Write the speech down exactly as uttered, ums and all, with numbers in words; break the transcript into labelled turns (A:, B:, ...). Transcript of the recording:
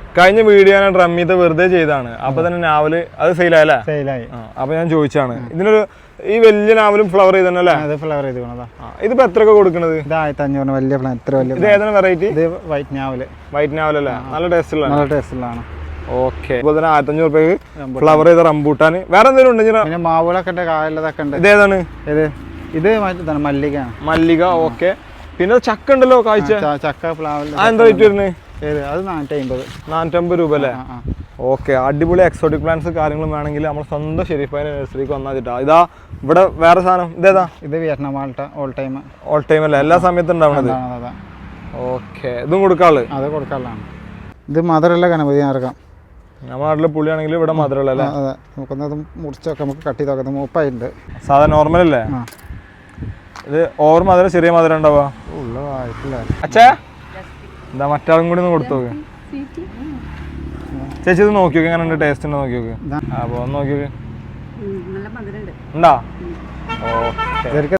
A: കഴിഞ്ഞ വീഡിയോ ഞാൻ ഡ്രമ്മീത്തെ വെറുതെ ചെയ്താണ്. അപ്പൊ തന്നെ നാവല് അത് സെയിലായല്ലേ?
B: സെയിലായി.
A: അപ്പൊ ഞാൻ ചോദിച്ചാണ് ഇതിനൊരു ഈ വലിയ നാവലും ഫ്ലവർ ചെയ്തല്ലേ?
B: ഫ്ലവർ ചെയ്ത് പോണതാ.
A: ഇതിപ്പോ എത്രയൊക്കെ കൊടുക്കണത്?
B: ഇത് ആയിരത്തി അഞ്ഞൂറിന് വലിയ പ്ലാൻ. എത്ര വലിയ
A: ഇത് ഏതാണ് വെറൈറ്റി?
B: ഇത് വൈറ്റ് നാവല്.
A: വൈറ്റ് നാവലല്ലേ? നല്ല ടേസ്റ്റ് ഉള്ള
B: നല്ല ടേസ്റ്റ് ഉള്ളതാണ്.
A: ഓക്കെ. അതുപോലെ തന്നെ ആയിരത്തി അഞ്ഞൂറ് രൂപയ്ക്ക് ഫ്ലവർ ചെയ്ത റംബൂട്ടാൻ. വേറെ എന്തെങ്കിലും ഉണ്ടെങ്കിൽ
B: പിന്നെ മാവുകളൊക്കെ ഉണ്ട്, കായലതൊക്കെ ഉണ്ട്.
A: ഇതേതാണ്?
B: ഇത് ഇത് മല്ലികയാണ്.
A: മല്ലിക. ഓക്കെ. പിന്നെ ചക്ക ഉണ്ടല്ലോ, കാഴ്ച
B: ചക്ക പ്ലാവിൽ.
A: എന്താ റേറ്റ് വരുന്നത്?
B: ഏത്? അത് നാനൂറ്റി അമ്പത്.
A: നാനൂറ്റമ്പത് രൂപ അല്ലേ? ഓക്കെ. അടിപൊളി എക്സോട്ടിക് പ്ലാന്റ്സ് കാര്യങ്ങളും വേണമെങ്കിൽ നമ്മൾ സ്വന്തം ഷെരീഫ് നഴ്സറിക്ക് വന്നാൽ കിട്ടാ. ഇതാ ഇവിടെ വേറെ സാധനം. ഇതേതാ?
B: ഇത് Vietnam Malta. All time.
A: All time അല്ലേ? എല്ലാ സമയത്തും ഉണ്ടാവണത്. ഓക്കെ. ഇതും കൊടുക്കാള്?
B: അത് കൊടുക്കാനുള്ളതാണ്. ഇത് മധുരമുള്ള ഗണപതി ഇറക്കാം.
A: നമ്മുടെ നാട്ടിലെ പുളിയാണെങ്കിൽ ഇവിടെ മധുരമുള്ള അല്ലേ?
B: അതെ. നമുക്കൊന്നത് മുറിച്ചൊക്കെ നമുക്ക് കട്ട് ചെയ്ത് നോക്കാം. മൂപ്പായിട്ടുണ്ട്.
A: സാധാ നോർമൽ അല്ലേ? ഇത് ഓവർ മധുരം ചെറിയ മധുരം ഉണ്ടാവുക?
B: ഉള്ളതായിട്ടില്ല.
A: അച്ഛാ എന്താ മറ്റാളും കൂടി ഒന്ന് കൊടുത്തു നോക്ക്. ചേച്ചി ഇത് നോക്കി നോക്കി എങ്ങനെ ഉണ്ട്, ടേസ്റ്റ് ഉണ്ടോ നോക്കി നോക്ക്. അപ്പൊ ഒന്ന് നോക്കി നോക്ക്. ഉണ്ടാ? ഓക്കെ.